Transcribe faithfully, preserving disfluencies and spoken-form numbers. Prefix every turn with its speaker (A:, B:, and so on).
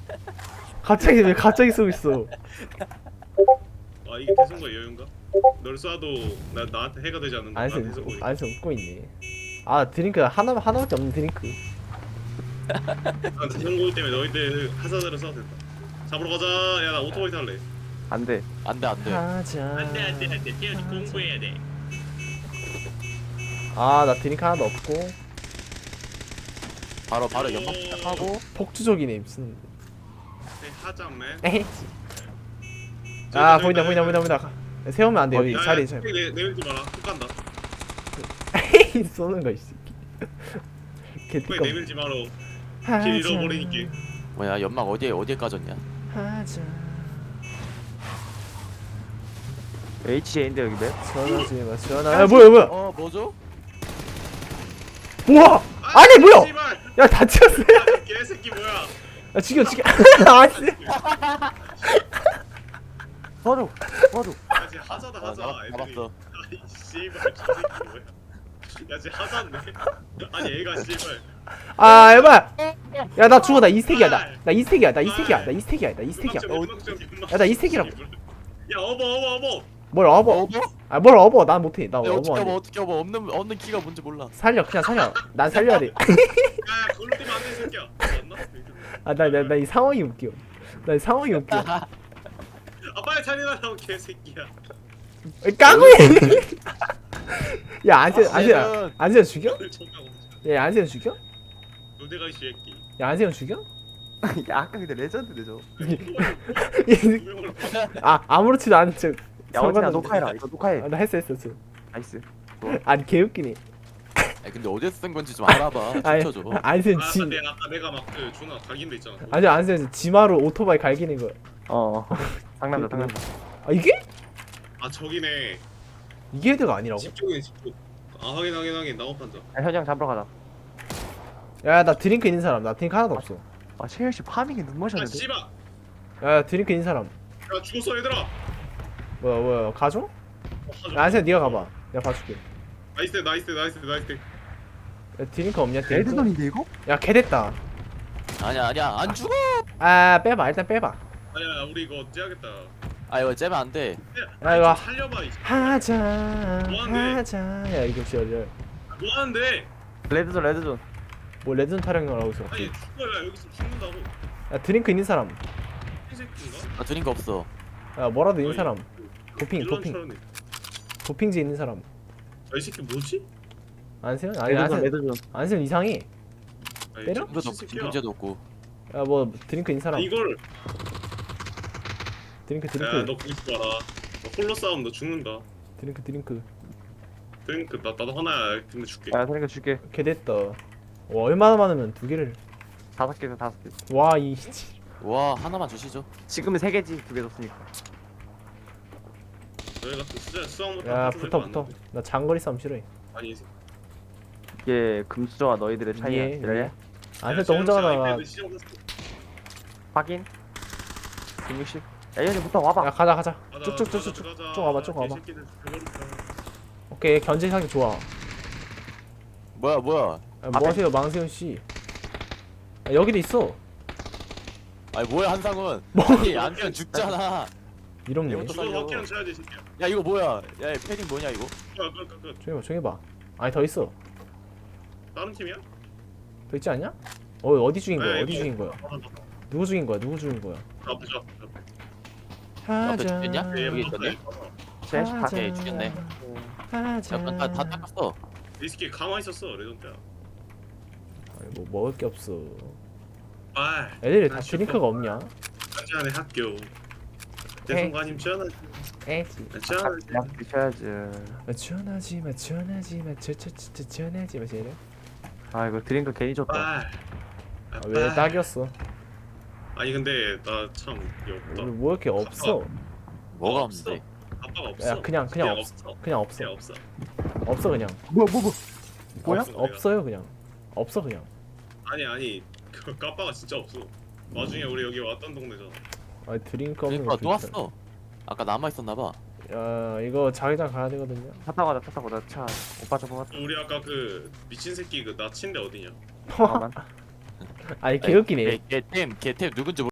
A: 갑자기 왜 갑자기 쏘고 있어?
B: 아 이게 대성과 여유인가? 널 쏴도 나 나한테 해가 되지 않는다.
A: 안에서
B: 난 대성과 여유.
A: 안에서 웃고 있네. 아 드링크 하나 하나밖에 없는 드링크.
B: 난 대성고일 때문에 너희들 하사대로 쏴도 된다. 잡으러 가자. 야 나 오토바이 탈래.
C: 안돼.
D: 안돼 안돼.
A: 하자.
B: 안돼 안돼 안돼. 태연이 공부해야 돼.
A: 아나 드링크 하나도 없고
D: 바로 바로 연막 시작하고.
A: 폭주족이네 무슨.
B: 네, 하자맨.
A: 에헤. 아 보인다 보인다 보인다 보인다. 세우면 안 돼 여기
B: 야,
A: 자리
B: 야,
A: 잘.
B: 내 내밀지 마라. 훅 간다.
A: 에이 쏘는 거 있어.
B: 왜
A: 개띠꺼.
B: 내밀지 마라. 길 잃어버리니까.
D: 뭐야 연막 어디에 어디에 까졌냐?
A: 하자.
C: 에이치에인데 여기 맵?
A: 전화지 마 전화. 야 뭐야 뭐야?
D: 어 뭐죠?
A: 우와. 아니 뭐야?
B: 씨발.
A: 야 다쳤어.
B: 아, 개새끼 뭐야?
A: 야 죽여 죽여. 아씨.
C: 도와줘. 도와줘.
B: 야 쟤 하자다
D: 아,
B: 하자.
D: 잡았-
B: 애들이.
D: 잡았어.
B: 아이 씨발 저 새끼 뭐야? 야쟤 하자네. 아니 얘가 씨발.
A: 아 에바. 야 나 죽어 나 이스택이야 나. 나 이스택이야 나 이스택이야 나 이스택이야 나 이스택이야. 야, 나 이스택이라고.
B: 야 어버 어버 어버.
A: 뭘 업어?
D: 어버?
A: 아 뭘 업어? 난 못해. 나
D: 야, 어떻게
A: 업어 안
D: 업어
A: 돼.
D: 어떻게 업어 없는 없는 키가 뭔지 몰라.
A: 살려 그냥 살려. 난 살려야 돼.
B: 야 그걸로 뛰면 안돼 새끼야. 맞나?
A: 아 나 나 나 이 상황이 웃겨. 나 이 상황이 웃겨.
B: 아 빨리 자리나라고 개새끼야.
A: 까구이. 야 안세 안세
D: 아,
A: 안세 죽여?
B: 오늘 존나 오지.
A: 야 안세 죽여?
B: 노대가 이 새끼.
A: 야 안세 죽여?
C: 야 아까 근데 레전드네 저.
A: 아 아무렇지도 않은 척.
C: 야 어진아
A: 상관없네.
C: 녹화해라. 이거 녹화해.
A: 아, 나 했어 했어 했어.
C: 나이스.
A: 아니 개웃기네.
D: 아니 근데 어디서 쓴 건지 좀 알아봐.
A: 아니
D: 춤춰줘.
A: 안세
B: 아
A: 지.
B: 근데 아까 내가 막그 존나 각인데 있잖아.
A: 아니 안세 지마로 오토바이 갈기는 거야.
C: 어. 상남자 상남자.
A: 아 이게?
B: 아 저기네.
A: 이게 헤드가 아니라고?
B: 집중해 집중. 아 확인 확인 확인 나고판자.
C: 야 현장 잡으러 가자.
A: 야 나 드링크 있는 사람. 나 드링크 하나도 없어.
C: 아 채열 씨 파밍에 눈
B: 아
C: 머셨는데.
B: 씨발.
A: 야 드링크 있는 사람.
B: 야 죽었어 얘들아.
A: 뭐야 뭐야 가져?
B: 어, 가져.
A: 야 안세 네가 가봐. 내가 봐줄게.
B: 나이스 나이스 나이스 나이스.
A: 야 드링크 없냐 드링크?
C: 레드돈인데 이거?
A: 야 개됐다.
D: 아니야 아니야 안 죽어.
A: 아 빼봐 일단 빼봐.
B: 아니야 우리 이거 째야겠다.
D: 아 이거 째면 안 돼.
A: 야, 이거
B: 좀 살려봐 이.
A: 하자
B: 뭐하는데?
A: 하자. 야 이거 진짜 어려.
B: 뭐 하는데?
C: 레드존 레드존.
A: 뭐 레드존 타령을 하고 있어.
B: 아니 죽어야 여기서 죽는다고.
A: 야 드링크 있는 사람.
B: 이 새끼인가?
D: 나 드린 거 없어.
A: 야 뭐라도 있는
B: 어이,
A: 사람. 도핑 도핑
B: 일론처럼네.
A: 도핑지 있는 사람.
B: 아, 이 새끼 뭐지?
A: 안세현? 아니
C: 레드존
A: 안세현
C: 레드존.
A: 안세현 이상해.
B: 아니,
A: 때려?
B: 저
D: 이거도
B: 미친
D: 없고
B: 새끼야.
D: 김문재도 없고.
A: 야 뭐 드링크 있는 사람.
B: 이걸
A: 드링크 드링크
B: 야너 거기 있어 봐라. 너 홀로 싸움 너 죽는다.
A: 드링크 드링크.
B: 드링크 나 나도 하나야. 근데 줄게.
C: 야 그러니까 줄게.
A: 개됐다. 와 얼마나 많으면 두 개를.
C: 다섯 개에서 다섯 개.
A: 와이
D: 와 하나만 주시죠.
C: 지금은 세 개지 두 개 줬으니까.
B: 너희 같은 수자 수학 못하는
A: 야
B: 사람들
A: 붙어
B: 많은데.
A: 붙어. 나 장거리 싸움 싫어해.
B: 아니 이 새끼.
C: 이게 금수저와 너희들의 차이야.
A: 예,
C: 이래?
A: 예. 안세현 또 혼자 가다가.
C: 확인. 백육십. 야 얘네부터 와봐.
A: 야 가자 가자. 쭉쭉쭉쭉 쭉 와봐 쭉 와봐. 오케이 견제 상이 좋아.
D: 뭐야 뭐야.
A: 야, 뭐 하세요 망세현 씨. 야, 여기도 있어.
D: 아니 뭐야 한상훈.
A: 뭐?
D: 아니 안면 죽잖아.
A: 이렇네.
D: 얘부터
B: 너
D: 살려.
B: 확실한 쳐야지 이 새끼야.
D: 야 이거 뭐야. 야 패딩 뭐냐 이거.
B: 끝끝끝
A: 조용히 봐 조용히 봐. 아니 더 있어.
B: 다른 팀이야?
A: 더 있지 않냐? 어 어디 죽인 거야?
B: 네,
A: 어디
B: 이거-
A: 죽인 거야?
B: 아, 나-
A: 누구 죽인 거야? 누구 죽인 거야?
B: 앞에 저 앞에 저.
D: 앞에 죽겠냐?
B: 앞에.
D: 여기
B: 얘
D: 있었네.
C: 셋 다.
D: 오케이, 죽였네.
A: 하자.
D: 잠깐 다, 다 닦았어.
B: 이 새끼 가만히 있었어 레전드야.
A: 아니, 뭐 먹을 게 없어.
B: 아.
A: 애들이 다
B: 아,
A: 드링크가 없냐?
B: 한잔의 학교. 대성관님 전화지.
A: 에지.
B: 전화지.
C: 약 드셔야지.
A: 전하지 마 전하지 마 저저저 전하지 마 쟤네.
C: 아 이거 드링크 괜히 줬다.
B: 아.
A: 아, 왜 딱이었어?
B: 아니 근데 나 참 없다.
A: 우리 뭐 이렇게 없어?
D: 뭐가
B: 없어.
D: 없는데.
B: 아빠가 없어.
A: 야 그냥 그냥 없
B: 없어.
A: 그냥 없어.
B: 그냥 없어.
A: 없어 그냥.
C: 뭐야 뭐 뭐. 뭐야?
B: 없어, 내가.
A: 없어요 그냥. 없어 그냥.
B: 아니 아니 그 까빠가 진짜 없어. 나중에 우리 여기 왔던 동네잖아.
A: 아 드링크 없는
D: 그러니까
A: 거
D: 또
A: 좋다.
D: 왔어. 아까 남아 있었나 봐.
A: 야 이거 자기장 가야 되거든요.
C: 차 타고 가자 차 타고 나 차. 오빠 차 뽑았다.
B: 우리 아까 그 미친 새끼 그 나친데 어디냐?
C: 잠깐만.
A: 아니 개웃기네.
D: 걔템걔템 누군지